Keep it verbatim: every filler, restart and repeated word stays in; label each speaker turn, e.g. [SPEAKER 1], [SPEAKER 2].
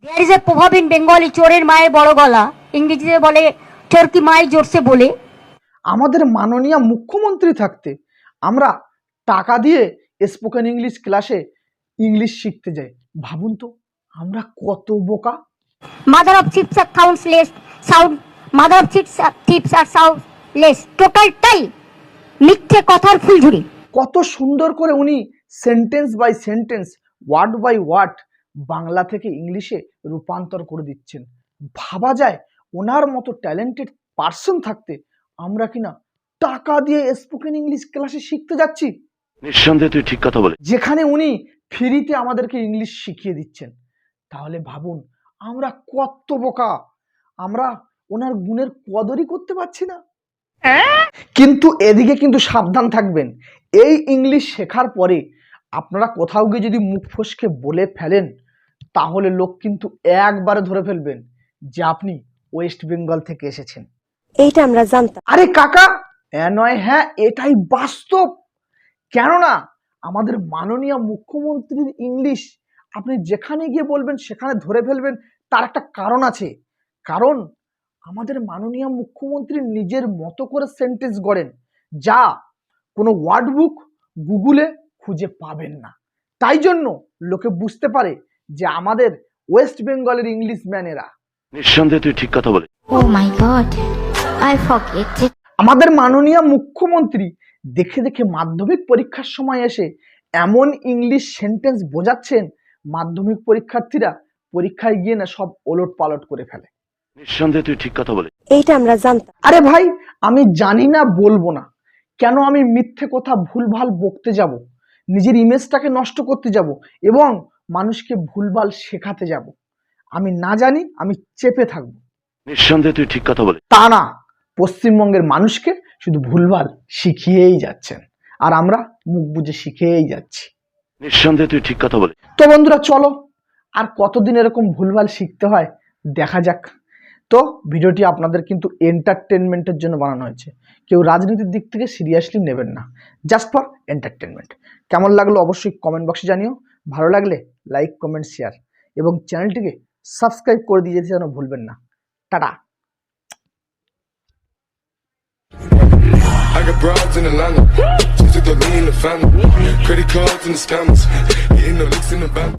[SPEAKER 1] There is a proverb in Bengali, চোরের মায়ের বড় গলা, ইংরেজিতে বলে চোর কি মায়ের জোরসে বলে।
[SPEAKER 2] আমাদের মাননীয় মুখ্যমন্ত্রী থাকতে আমরা টাকা দিয়ে স্পোকেন ইংলিশ ক্লাসে ইংলিশ শিখতে যাই। ভাবুন তো আমরা কত বোকা।
[SPEAKER 1] মাদার অফ চিপস আর sounds less sound mother of chips tips আর সাউন্ড লেস টোটালটাই মিথ্যে কথার ফুলঝুরি।
[SPEAKER 2] কত সুন্দর করে উনি sentence by sentence, word by word Bangla থেকে ইংলিশে রূপান্তর করে দিচ্ছেন। ভাবা যায় ওনার মতো ট্যালেন্টেড পার্সন থাকতে আমরা কিনা টাকা দিয়ে স্পোকেন ইংলিশ ক্লাসে শিখতে যাচ্ছি।
[SPEAKER 3] নিঃসন্দেহে তুই ঠিক কথা বলে,
[SPEAKER 2] যেখানে উনি ফ্রিতে আমাদেরকে ইংলিশ শিখিয়ে দিচ্ছেন। তাহলে ভাবুন আমরা কত বোকা, আমরা ওনার গুণের কদরই করতে পারছি না। কিন্তু এদিকে কিন্তু সাবধান থাকবেন, এই ইংলিশ শেখার পরে আপনারা কোথাও গিয়ে যদি মুখ ফসকে বলে ফেলেন তাহলে লোক কিন্তু একবারে ধরে ফেলবেন যে আপনি ওয়েস্ট বেঙ্গল থেকে এসেছেন।
[SPEAKER 4] এইটা আমরা জানতাম।
[SPEAKER 2] আরে কাকা, হ্যাঁ নয় হ্যাঁ, এটাই বাস্তব। কেননা আমাদের মাননীয় মুখ্যমন্ত্রীর ইংলিশ আপনি যেখানে গিয়ে বলবেন সেখানে ধরে ফেলবেন। তার একটা কারণ আছে, কারণ আমাদের মাননীয় মুখ্যমন্ত্রী নিজের মতো করে সেন্টেন্স গড়েন যা কোনো ওয়ার্ড বুক গুগলে খুঁজে পাবেন না। তাই জন্য লোকে বুঝতে পারে যে আমাদের ওয়েস্ট বেঙ্গলের ইংলিশ ম্যানেরা।
[SPEAKER 3] নিঃসন্দেহে তুই ঠিক কথা বলে।
[SPEAKER 1] Oh my God, I forget it.
[SPEAKER 2] আমাদের মাননীয় মুখ্যমন্ত্রী দেখে দেখে মাধ্যমিক পরীক্ষার সময় এসে এমন ইংলিশ সেন্টেন্স বোঝাচ্ছেন, মাধ্যমিক পরীক্ষার্থীরা পরীক্ষায় গিয়ে না সব ওলট পালট করে ফেলে।
[SPEAKER 3] নিঃসন্দেহে তুই ঠিক কথা বলে।
[SPEAKER 4] এইটা আমরা জানতাম।
[SPEAKER 2] আরে ভাই, আমি জানি না বলবো না কেন, আমি মিথ্যে কথা ভুলভাল বকতে যাব, নিজের ইমেজটাকে নষ্ট করতে যাব এবং মানুষকে ভুলভাল শেখাতে যাব। আমি না জানি, আমি চেপে থাকবো।
[SPEAKER 3] নিঃসন্দেহে তুই ঠিক কথা বলে।
[SPEAKER 2] তা না, পশ্চিমবঙ্গের মানুষকে শুধু ভুলভাল শিখিয়েই যাচ্ছেন আর আমরা মুখ বুজে শিখেই যাচ্ছি।
[SPEAKER 3] নিঃসন্দেহে তুই ঠিক কথা বলে।
[SPEAKER 2] তো বন্ধুরা চলো, আর কতদিন এরকম ভুলভাল শিখতে হয় দেখা যাক। তো ভিডিওটি আপনাদের কিন্তু এন্টারটেনমেন্টের জন্য বানানো হয়েছে, কেউ রাজনীতির দিক থেকে সিরিয়াসলি নেবেন না, জাস্ট ফর এন্টারটেনমেন্ট। কেমন লাগলো অবশ্যই কমেন্ট বক্সে জানিও। ভালো লাগলে লাইক কমেন্ট শেয়ার এবং চ্যানেলটিকে সাবস্ক্রাইব করে দিয়ে যেতে যেন ভুলবেন না। টাটা।
[SPEAKER 5] I got broads in Atlanta, just took the lean in the family, credit cards and the scammers, hitting the licks in the bank.